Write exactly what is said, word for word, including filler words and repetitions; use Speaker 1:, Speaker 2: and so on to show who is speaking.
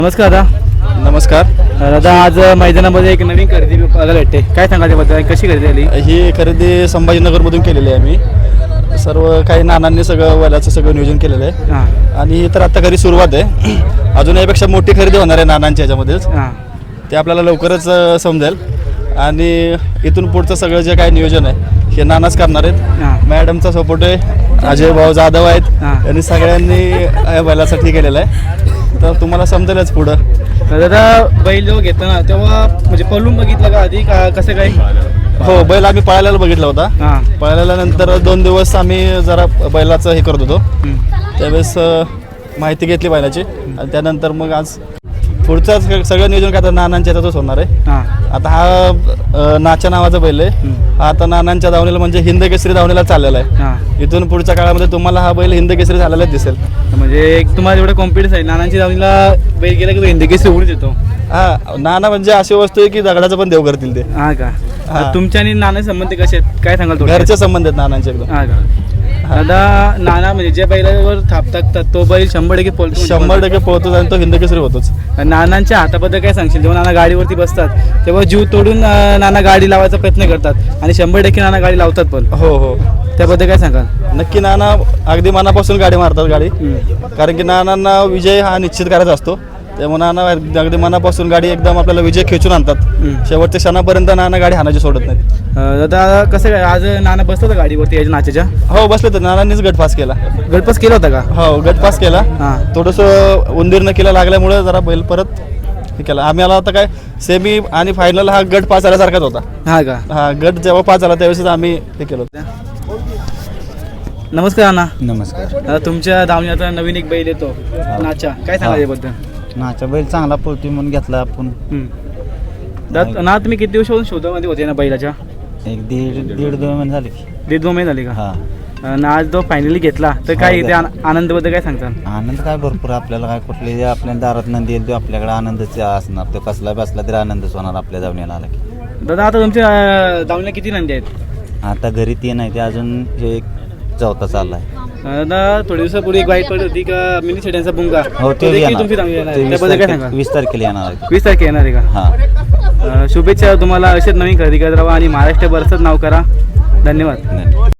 Speaker 1: नमस्कार दादा.
Speaker 2: नमस्कार
Speaker 1: दादा, आज मैदानामध्ये एक नवीन खरेदी बघायला भेटते, काय सांगा त्याबद्दल? कशी खरेदी आली?
Speaker 2: ही खरेदी संभाजीनगरमधून केलेली आहे. मी सर्व काही नानांनी सगळं वल्याचं सगळं नियोजन केलेलं आहे.
Speaker 1: हां
Speaker 2: आणि तर आता घरी सुरुवात आहे. अजून यापेक्षा मोठी खरेदी होणार आहे नानांच्या ह्याच्यामध्येच.
Speaker 1: हां
Speaker 2: ते आपल्याला लवकरच अ, समजेल. आणि इथून पुढचं सगळं जे काही नियोजन आहे हे नानाच करणार आहेत.
Speaker 1: हां
Speaker 2: मॅडमचा सपोर्ट आहे, अजय भाऊ जाधव आहेत.
Speaker 1: हां.
Speaker 2: यांनी सगळ्यांनी या बैलासाठी केलेलं आहे. तर तुम्हाला समजेलच पुढं.
Speaker 1: दादा, बैल जेव्हा घेतो ना तेव्हा म्हणजे पळून बघितलं का आधी, का कसं काय?
Speaker 2: हो, बैल आम्ही पळायला बघितला होता.
Speaker 1: हां
Speaker 2: पळायला नंतर दोन दिवस आम्ही जरा बैलाचं हे करत होतो.
Speaker 1: हं.
Speaker 2: त्यावेळेस अ, माहिती घेतली बैलाची आणि त्यानंतर मग आज पुढचं स- सगळं नियोजन काय तर नानांच्या याच्यातच होणार आहे.
Speaker 1: हां
Speaker 2: आता हा अ, नाच्या नावाचा बैल आहे.
Speaker 1: हं.
Speaker 2: हा आता नानांच्या धावणीला म्हणजे हिंद केसरी धावणीला चाललेला आहे.
Speaker 1: हां
Speaker 2: इथून पुढच्या काळामध्ये तुम्हाला हा बैल हिंद केसरी झालेलाच दिसेल.
Speaker 1: म्हणजे एक तुम्हाला एवढं कॉन्फिडन्स आहे नानांची दावणीला बैल गेला की हिंदी केसरी उडून येतो?
Speaker 2: हा, नाना म्हणजे अशी वस्तू आहे की दगडाचं पण देव करतील ते.
Speaker 1: हां का?
Speaker 2: हां.
Speaker 1: तुमच्या आणि नाना संबंध कसे आहेत, काय सांगाल थोडक्यात?
Speaker 2: घरचे संबंध आहेत नानांचे एकदम.
Speaker 1: हां का? दादा, नाना म्हणजे ज्या बैलावर थापतात तो बैल शंभर टक्के पळतो.
Speaker 2: शंभर टक्के पोहतोच आणि तो हिंद केसरी होतोच.
Speaker 1: नानांच्या हाताबद्दल काय सांगशील? जेव्हा नाना गाडीवरती बसतात तेव्हा जीव तोडून अं, नाना गाडी लावायचा प्रयत्न करतात आणि शंभर टक्के नाना गाडी लावतात पण.
Speaker 2: हो हो,
Speaker 1: त्याबद्दल काय सांगाल?
Speaker 2: नक्की नाना अगदी मनापासून गाडी मारतात गाडी.
Speaker 1: हं.
Speaker 2: कारण की नानांना विजय हा निश्चित करायचा असतो. त्यामुळे नाना अगदी मनापासून गाडी एकदम आपल्याला विजय खेचून आणतात.
Speaker 1: हं.
Speaker 2: शेवटच्या क्षणापर्यंत नाना गाडी हाणाची सोडत नाहीत.
Speaker 1: अं, दादा, कसं काय आज नाना बसतो का गाडीवरती याच्या नाच्याच्या?
Speaker 2: हो, बसले तर नानांनीच गट पास केला.
Speaker 1: गटपास केला होता का?
Speaker 2: हो, गट पास केला.
Speaker 1: हां
Speaker 2: थोडंसं उंदीर न केला लागल्यामुळे जरा बैल परत हे केला. आम्ही आला होता काय सेमी आणि फायनल हा गट पास झाल्यासारखाच होता.
Speaker 1: हां का?
Speaker 2: हा गट जेव्हा पास झाला त्यावेळेस आम्ही हे केलं होतं.
Speaker 1: नमस्कार अण्णा.
Speaker 3: नमस्कार.
Speaker 1: दादा, तुमच्या दावणीत आता नवीन एक बैल येतो नाचा, काय सांगा याबद्दल?
Speaker 3: नाचा बैल चांगला पळतोय म्हणून घेतला आपण.
Speaker 1: हं. दादा, ना तुम्ही किती दिवसापासून शोधामध्ये होते ना बैलाच्या?
Speaker 3: एक दीड दीड दोन महिने झाले की.
Speaker 1: दीड दोन महिने झाले का?
Speaker 3: हा,
Speaker 1: अन् आज तो फायनली घेतला तर काय
Speaker 3: हो,
Speaker 1: इथे आन- आनंदाबद्दल काय सांगता?
Speaker 3: आनंद काय भरपूर आपल्याला. काय कुठले आपल्या दारात नंदी येईल तो आपल्याकडे आनंदच असणार. तो कसला बसला तरी आनंदच होणार आपल्या धावण्याला आला की.
Speaker 1: दादा, आता तुमच्या अं, दावणीला किती नंदी आहेत?
Speaker 3: आता घरी ते नाही ते अजून हे एक चौथा चाललाय.
Speaker 1: अं, दादा, थोड्या दिवसापूर्वी एक वाईट पडली होती का मिनी शेट्यांचा बुंगा,
Speaker 3: हो,
Speaker 1: तो
Speaker 3: ते
Speaker 1: देखील
Speaker 3: येणार.
Speaker 1: तुमची दावणी येणार
Speaker 3: ते
Speaker 1: आहे.
Speaker 3: वीस
Speaker 1: त्याबद्दल काय
Speaker 3: तारखे-
Speaker 1: सांगा?
Speaker 3: वीस तारखेला येणार आहे.
Speaker 1: वीस तारखे येणार आहे का?
Speaker 3: हा,
Speaker 1: अं, शुभेच्छा तुम्हाला. असेच नवीन खरेदी करत राहा आणि महाराष्ट्र बरसच नाव करा. धन्यवाद.
Speaker 3: धन्यवाद.